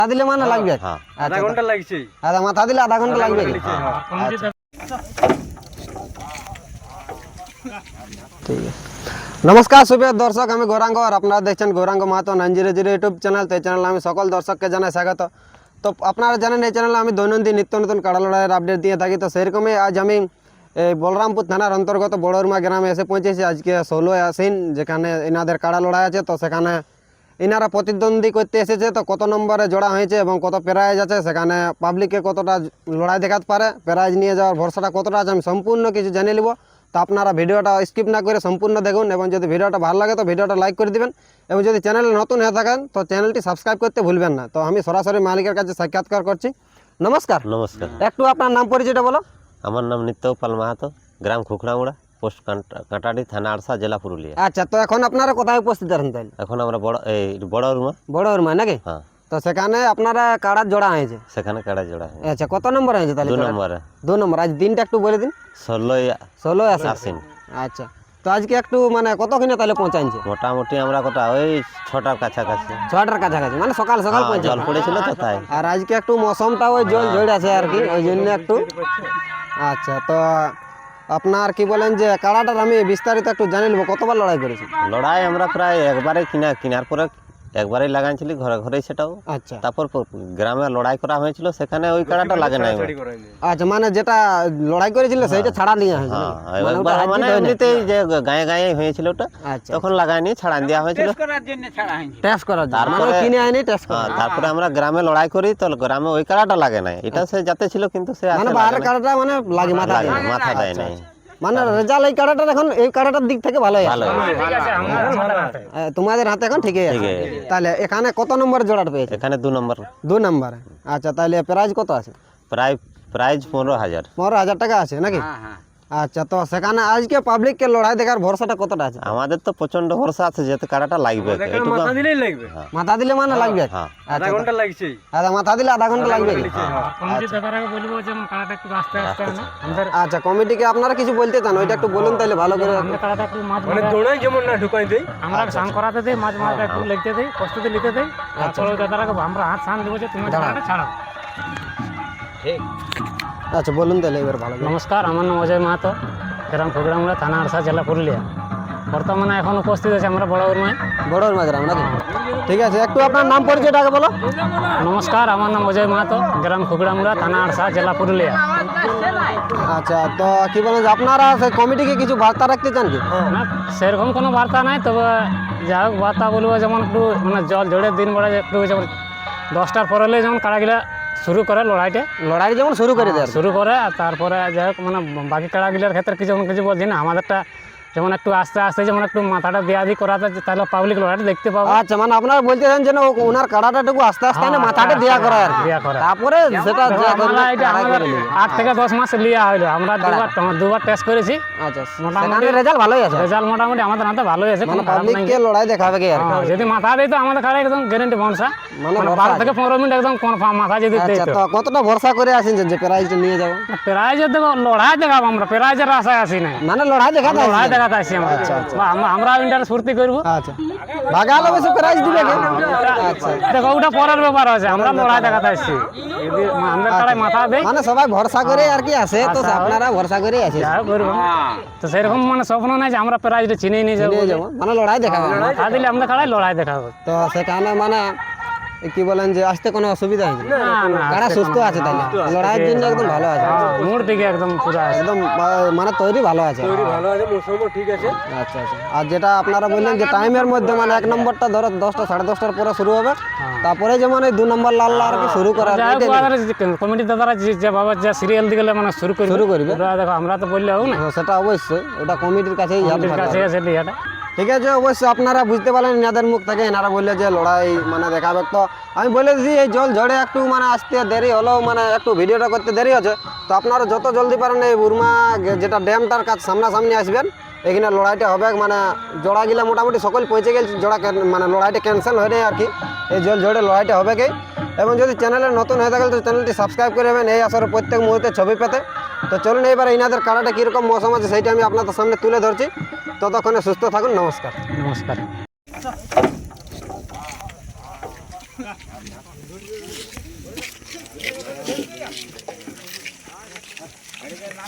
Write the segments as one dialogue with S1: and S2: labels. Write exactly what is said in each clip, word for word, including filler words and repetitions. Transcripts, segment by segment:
S1: মাথা দিলে মানে লাগবে
S2: হ্যাঁ
S1: আধা ঘন্টা লাগছে আধা মাথা দিলে আধা ঘন্টা লাগবে ঠিক আছে। নমস্কার সুপ্রিয় দর্শক, আমি গৌরাঙ্গ আর আপনারা দেখছেন Gouranga Mahato nine zero zero YouTube channel. তো এই চ্যানেলে আমি সকল দর্শককে জানাই স্বাগত। তো আপনারা জানেন এই চ্যানেলে আমি দৈনন্দিন নিত্য নতুন কাড়া লড়াইয়ের আপডেট দিয়ে থাকি। তো সেরকমই আজ আমি এই বলরামপুর থানার অন্তর্গত বড়রমা গ্রামে এসে পৌঁছেছি আজকে ষোলোই আশ্বিন, যেখানে এনাদের কাড়া লড়াই আছে। তো সেখানে এনারা প্রতিদ্বন্দ্বী করতে এসেছে। তো কত নম্বরে জোড়া হয়েছে এবং কত প্রাইজ আছে, সেখানে পাবলিককে কতটা লড়াই দেখাতে পারে, প্রাইজ নিয়ে যাওয়ার ভরসাটা কতটা আছে, আমি সম্পূর্ণ কিছু জেনে নেব। তো আপনারা ভিডিওটা স্কিপ না করে সম্পূর্ণ দেখুন এবং যদি ভিডিওটা ভালো লাগে তো ভিডিওটা লাইক করে দিবেন এবং যদি চ্যানেলে নতুন হয়ে থাকেন তো চ্যানেলটি সাবস্ক্রাইব করতে ভুলবেন না। তো আমি সরাসরি মালিকের কাছে সাক্ষাৎকার করছি। নমস্কার।
S2: নমস্কার।
S1: একটু আপনার নাম পরিচয়টা বলো।
S2: আমার নাম নিত্যপাল মাহাতো, গ্রাম খুখড়ামুড়া, পোস্ট কাঁটাড়ি, থানা আড়সা, জেলা পুরুলিয়া।
S1: আচ্ছা, তো এখন আপনারা কোথায় উপস্থিত আছেন তাহলে?
S2: এখন আমরা বড় এই বড়রমা।
S1: বড়রমা নাকি?
S2: হ্যাঁ।
S1: তো সেখানে আপনারা কাড়ার জোড়া হয়েছে?
S2: সেখানে কাড়া জোড়া হয়েছে।
S1: আচ্ছা, কত নম্বর হয়েছে তাহলে?
S2: দু নম্বরে।
S1: দু নম্বর। আজ দিনটা একটু বলে দিন।
S2: ষোলোই
S1: ষোলোই আশ্বিন।
S2: আশ্বিন।
S1: আচ্ছা, তো আজকে একটু মানে কতক্ষণে তাহলে পৌঁছাইছে?
S2: মোটামুটি আমরা কটা ওই ছটার কাছাকাছি।
S1: ছটার কাছাকাছি, মানে সকাল সকাল
S2: হ্যাঁ,
S1: পৌঁছে।
S2: জল পড়েছিল তো তাই।
S1: আর আজকে একটু মৌসমটা ওই জল ঝড় আছে আর কি, ওই জন্য একটু। আচ্ছা, তো আপনার কি বলেন যে কাড়াটার আমি বিস্তারিত একটু জানি নেবো, কতবার লড়াই করেছি?
S2: লড়াই আমরা প্রায় একবারে কিনা কিনার পরে একবারেই লাগাইছিলি ঘরে ঘরেই, সেটাও।
S1: আচ্ছা
S2: তারপর গ্রামে লড়াই করা হয়েছিল, সেখানে ওই কাড়াটা লাগে নাই।
S1: আচ্ছা, মানে যেটা লড়াই করেছিল সেইটা ছাড়া নিয়ে হয়েছিল?
S2: হ্যাঁ, একবার মানে এমনিতেই যে গায়ে গায়ে হয়েছিল ওটা,
S1: আচ্ছা,
S2: তখন লাগায়নি, ছাড়ান দেওয়া হয়েছিল
S1: টেস্ট করার জন্য, মানে
S2: তারপরে
S1: কিনে আইনি টেস্ট করা।
S2: হ্যাঁ, তারপরে আমরা গ্রামে লড়াই করি, তো গ্রামে ওই কাড়াটা লাগে নাই, এটা সে যাতে ছিল কিন্তু সে
S1: মানে বাইরের কাড়াটা মানে লাগে মাথা
S2: লাগে
S1: দেয়
S2: না, মাথা দেয় নাই।
S1: মানে রেজাল্ট এই কাড়াটার এখন এই কাড়াটার দিক থেকে ভালোই আছে।
S2: ভালো।
S1: এ, তোমাদের হাতে এখন ঠিকই আছে।
S2: ঠিকই।
S1: তাহলে এখানে কত নম্বর জোড়াটা পেয়েছে?
S2: এখানে দু নম্বর।
S1: দু নম্বরে। আচ্ছা, তাহলে প্রাইজ কত আছে?
S2: প্রায় প্রাইজ পনেরো হাজার।
S1: পনেরো হাজার টাকা আছে নাকি? আচ্ছা, তো সেখানে আজকে পাবলিককে লড়াই দেখার ভরসাটা কতটা আছে?
S2: আমাদের তো প্রচন্ড ভরসা আছে, যেহেতু কাড়াটা লাগবে।
S3: মাথা দিলেই লাগবে।
S1: মাথা দিলে মানে লাগবে?
S2: হ্যাঁ।
S3: আধা ঘন্টা লাগছে।
S1: আধা মাথা দিলে আধা ঘন্টা লাগবে?
S3: কমিটি দাদারাকে বলবো যে কাড়াটা একটু আস্তে আস্তে আনে। আমাদের
S1: আচ্ছা, কমিটিকে আপনারা কিছু বলতে চান ওইটা একটু বলুন তাহলে ভালো করে।
S3: আমরা কাড়াটা একটু মাছ মানে দৌড়াই যেমন না ঢুকাই দেই, আমরা সান করাতে দেই, মাছ মাছটা একটু লিখতে দেই, প্রস্তুতি নিতে দেই। তারপর ওই দাদারাকে আমরা হাত সান দেবো যে তুমি কাড়াটা ছাড়াও। ঠিক।
S1: আচ্ছা, বলুন তাহলে এবার ভালো করে।
S3: নমস্কার, আমার নাম অজয় মাহাতো, গ্রাম খুগড়ামুড়া, থানা আড়সা, জেলা পুরুলিয়া। বর্তমানে এখন উপস্থিত আছে আমরা বড়রমায়।
S1: বড়রমা গ্রাম নাকি? ঠিক আছে, একটু আপনার নাম পরিচয়টা আগে বলো।
S3: নমস্কার, আমার নাম অজয় মাহাতো, গ্রাম খুগড়ামুড়া, থানা আড়সা, জেলা পুরুলিয়া।
S1: আচ্ছা, তো কি বলেন যে আপনারা সেই কমিটিকে কিছু বার্তা রাখতে চান কি?
S3: না, সেরকম কোনো বার্তা নাই, তবে যা হোক বার্তা বলবো যেমন একটু মানে জল ঝড়ের দিন বড় একটু যেমন দশটার পর হলে যেমন কাড়াগুলা শুরু করে লড়াইটা,
S1: লড়াই যেমন শুরু করে দেয়।
S3: শুরু করে আর তারপরে যাই হোক মানে বাকি কাড়াগুলার ক্ষেত্রে কিছু কিছু বলছি না, আমাদেরটা যেমন একটু আস্তে আস্তে যেমন একটু মাথাটা দেওয়া দিয়ে করাতে, তাহলে পাবলিক লড়াইটা দেখতে পাবো।
S1: আচ্ছা, মানে আপনারা বলতেছেন যে না, ওনার কাড়াটাটুকু আস্তে আস্তে না মাথাটা দেয়া করা আর কি।
S3: দেয়া করা।
S1: তারপরে সেটা
S3: দেখো,
S1: যা
S3: আমরা এটা
S1: কাড়াই
S3: আমাদের
S1: করে নেবে।
S3: আট থেকে দশ মাস লিয়া হইলো, আমরা দুবার দুবার টেস্ট করেছি,
S1: আচ্ছা,
S3: মোটামুটি
S1: মোটামুটি রেজাল্ট ভালোই আছে।
S3: রেজাল্ট মোটামুটি আমাদের হাতে ভালোই আছে,
S1: মানে
S3: কোনো খারাপ নাই।
S1: পাবলিককে লড়াই দেখাবে কি আর কি।
S3: হ্যাঁ, যদি মাথা দেয় তো আমাদের কাড়া একদম গ্যারেন্টি ভরসা,
S1: মানে
S3: মানে
S1: ভরসা
S3: বারো
S1: আছে।
S3: থেকে পনেরো মিনিট একদম কনফার্ম মাথা যদি দেয়
S1: আচ্ছা,
S3: তো।
S1: তো কতটা ভরসা করে আছেন যে প্রাইজটা নিয়ে যাবো?
S3: প্রাইজের দেবো, লড়াই দেখাবো আমরা, প্রাইজের আশায় আসি নাই,
S1: মানে লড়াই দেখাতে
S3: লড়াই
S1: আসছেন?
S3: দেখাতে আসি আমরা। বা আমরা আমরা ইন্টারেস্ট ফুর্তি করবো।
S1: আচ্ছা, ভাগাল অবশ্য প্রাইজ দিবে কি? আচ্ছা,
S3: দেখো ওটা পরের ব্যাপার আছে, আমরা লড়াই দেখাতে আসছি, যদি আমাদের কাড়ায় মাথা দেয়
S1: মানে সবাই ভরসা করে আর কি আসে, তো আপনারা ভরসা করে আছেন।
S3: যা করবো। তো সেরকম মানে স্বপ্ন নাই যে আমরা প্রাইজটা চিনেই নিয়ে যাবো,
S1: নিয়ে যাবো মানে লড়াই দেখাবে।
S3: মাথা দিলে আমাদের কাড়ায় লড়াই দেখাবো।
S1: তো সেখানে মানে কি বলেন যে আসতে কোনো অসুবিধা হয়েছে?
S3: না না,
S1: কারা সুস্থ আছে তাহলে, লড়াইয়ের জন্য একদম ভালো আছে,
S3: মুড দিকে একদম পুরো আছে।
S1: একদম আহ, মানে তৈরি ভালো আছে।
S3: ভালো আছে, মৌসুমও ঠিক আছে।
S1: আচ্ছা আচ্ছা, আর যেটা আপনারা বললেন যে টাইমের মধ্যে মানে এক নম্বরটা ধরো দশটা সাড়ে দশটার পরে শুরু হবে, তারপরে যেমন এই দু নম্বর লাল আর কি শুরু করা
S3: যাই হোক, ওদের কমিটি দাদারা যে- যেভাবে যে সিরিয়াল দিকে মানে শুরু করবে
S1: শুরু করবে।
S3: ওরা দেখো, আমরা তো বললে হোক না,
S1: সেটা অবশ্যই ওটা কমিটির কাছেই জানতে
S3: কমিটির কাছে আছে এটা।
S1: ঠিক আছে, অবশ্যই আপনারা বুঝতে পারলেন এনাদের মুখ থেকে, এনারা বললে যে লড়াই মানে দেখাবে। তো আমি বলে দিই এই জল ঝড়ে একটু মানে আসতে দেরি হলেও মানে একটু ভিডিওটা করতে দেরি হচ্ছে, তো আপনারা যত জলদি পারেন এই বুরমা যেটা ড্যামটার কাছে সামনাসামনি আসবেন, এখানে লড়াইটা হবে। মানে জোড়া গিলা মোটামুটি সকল পৌঁছে গেছে, জোড়া ক্যান- মানে লড়াইটা ক্যান্সেল হয়ে নেই আর কি, এই জল ঝড়ে লড়াইটা হবে কি। এবং যদি চ্যানেলে নতুন হয়ে থাকে তো চ্যানেলটি সাবস্ক্রাইব করে নেবেন এই আসরে প্রত্যেক মুহূর্তে ছবি পেতে। তো চলুন এবার এনাদের কাড়াটা কীরকম মৌসুম আছে সেইটা আমি আপনাদের সামনে তুলে ধরছি। ততক্ষণে সুস্থ থাকুন, নমস্কার।
S3: নমস্কার।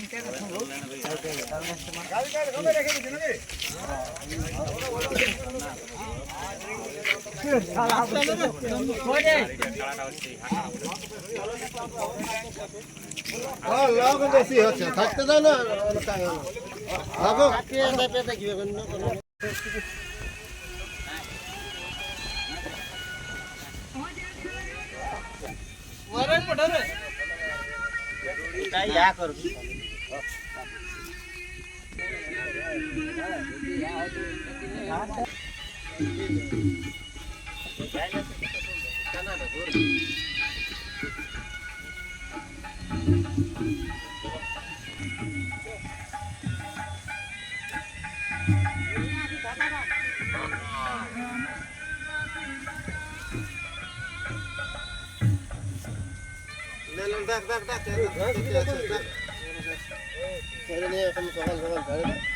S4: বেশি হচ্ছে থাকতে দাও না থাকো দেখ দেখ দেখ ছেড়ে নিয়ে এখন সকাল সকাল